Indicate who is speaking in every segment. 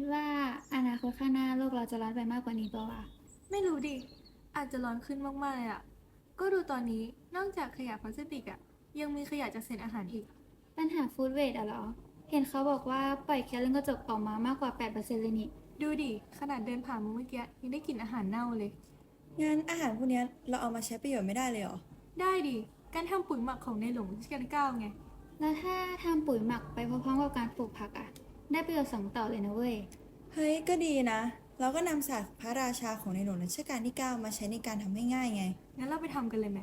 Speaker 1: ว่าอนาคตข้างหน้าโลกเราจะร้อนไปมากกว่านี้เปล่าวะ
Speaker 2: ไม่รู้ดิ อาจจะร้อนขึ้นมากๆเลยอ่ะ ก็ดูตอนนี้ นอกจากขยะพลาสติกอ่ะ ยังมีขยะจากเศษอาหารอีก
Speaker 1: ปัญหาฟู้ดเวสต์อะเหรอเห็นเขาบอกว่าปล่อยแก๊สเรือนกระจกออกมามากกว่า8%เลยนี่
Speaker 2: ดูดิ ขนาดเดินผ่านมาเมื่อกี้ยังได้กลิ่นอาหารเน่าเลย
Speaker 3: งั้นอาหารพวกเนี้ยเราเอามาใช้ประโยชน์ไม่ได้เลยเหรอ
Speaker 2: ได้ดิ การทำปุ๋ยหมักของในหลวงรัชกาลที่ 9ไง
Speaker 1: แล้วถ้าทำปุ๋ยหมักไปพร้อมๆกับการปลูกผักอะได้ประโยชน์สองต่อเลยนะเว้ย
Speaker 3: เฮ้ยก็ดีนะ เราก็นำศาสตร์พระราชาของในหลวงรัชกาลที่ 9มาใช้ในการทำให้ง่ายไง
Speaker 2: งั้นเราไปทำกันเลยไหม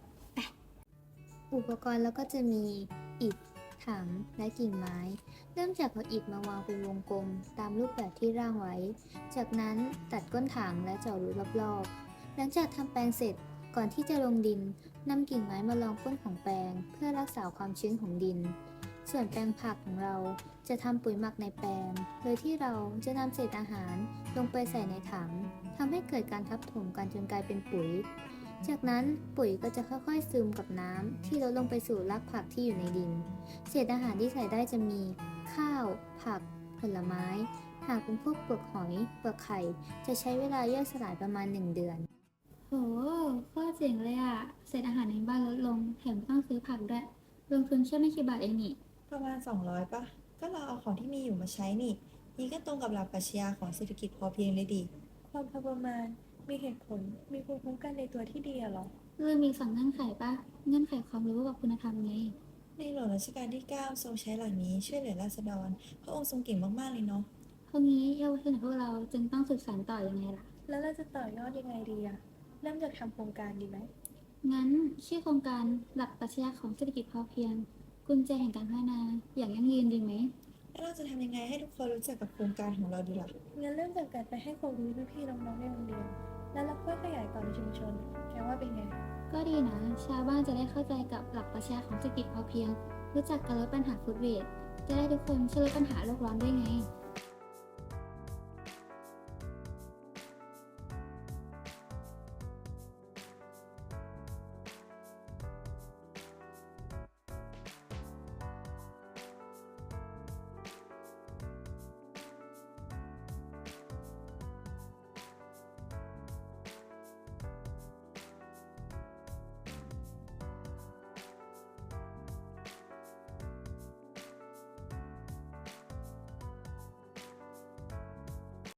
Speaker 4: อุปกรณ์แล้วก็จะมีอิฐถังและกิ่งไม้ เริ่มจากเอาอิฐมาวางเป็นวงกลมตามรูปแบบที่ร่างไว้ จากนั้นตัดก้นถังและเจาะรูรอบๆหลังจากทำแปลงเสร็จก่อนที่จะลงดินนำกิ่งไม้มารองก้นของแปลงเพื่อรักษาความชื้นของดิน ส่วนแปลงผักของเราจะทำปุ๋ยหมักในแปลงโดยที่เราจะนำเศษอาหารลงไปใส่ในถังทำให้เกิดการทับถมกันจนกลายเป็นปุ๋ย จากนั้นปุ๋ยก็จะค่อยๆซึมกับน้ำที่ลดลงไปสู่รากผักที่อยู่ในดิน เศษอาหารที่ใส่ได้จะมีข้าว ผัก ผลไม้ หากเป็นพวกเปลือกหอย เปลือกไข่ จะใช้เวลาย่อยสลายประมาณ1เดือน
Speaker 1: โหโคตรเจ๋งเลยอะเศษอาหารในบ้านลดลงแถมไม่ต้องซื้อผักด้วยลงทุนแค่ไม่กี่บาทเองนี่
Speaker 3: ประมาณ200ป่ะก็เราเอาของที่มีอยู่มาใช้นี่ก็ตรงกับหลักปรัชญาของเศรษฐกิจพอเพียงเลยดิ
Speaker 2: ความพอประมาณ มีเหตุผล มีภูมิคุ้มกันในตัวที่ดีอะหรอ
Speaker 1: เรื่องมีสองเงื่อนไขปะเงื่อนไขความรู้กับคุณธรรมไง
Speaker 3: ในหลวงรัชกาลที่ 9ทรงใช้หลักนี้ช่วยเหลือราษฎรพระองค์ทรงเก่งมากๆเลยเนาะ
Speaker 1: พวกนี้เยาวชนของพวกเราจึงต้องสืบสานต่อยังไงล่ะ
Speaker 2: แล้วเราจะต่อยอดยังไงดีอะเริ่มจากทำโครงการดีไหม
Speaker 1: งั้นชื่อโครงการหลักปรัชญาของเศรษฐกิจพอเพียงกุญแจแห่งการพัฒนาอย่างยั่งยืนดีไหม
Speaker 3: แล้วเราจะทำยังไงให้ทุกคนรู้จักกับโครงการของเราดีล่ะ
Speaker 2: งั้นเริ่มจากการไปให้ความรู้พี่ๆน้องๆในโรงเรียน แล้วเราค่อยขยายต่อในชุมชนแกว่าเป็นไง
Speaker 1: ก็ดีนะชาวบ้านจะได้เข้าใจกับหลักปรัชญาของเศรษฐกิจพอเพียงรู้จักการลดปัญหาฟู้ดเวสต์จะได้ทุกคนช่วยลดปัญหาโลกร้อนด้วยไง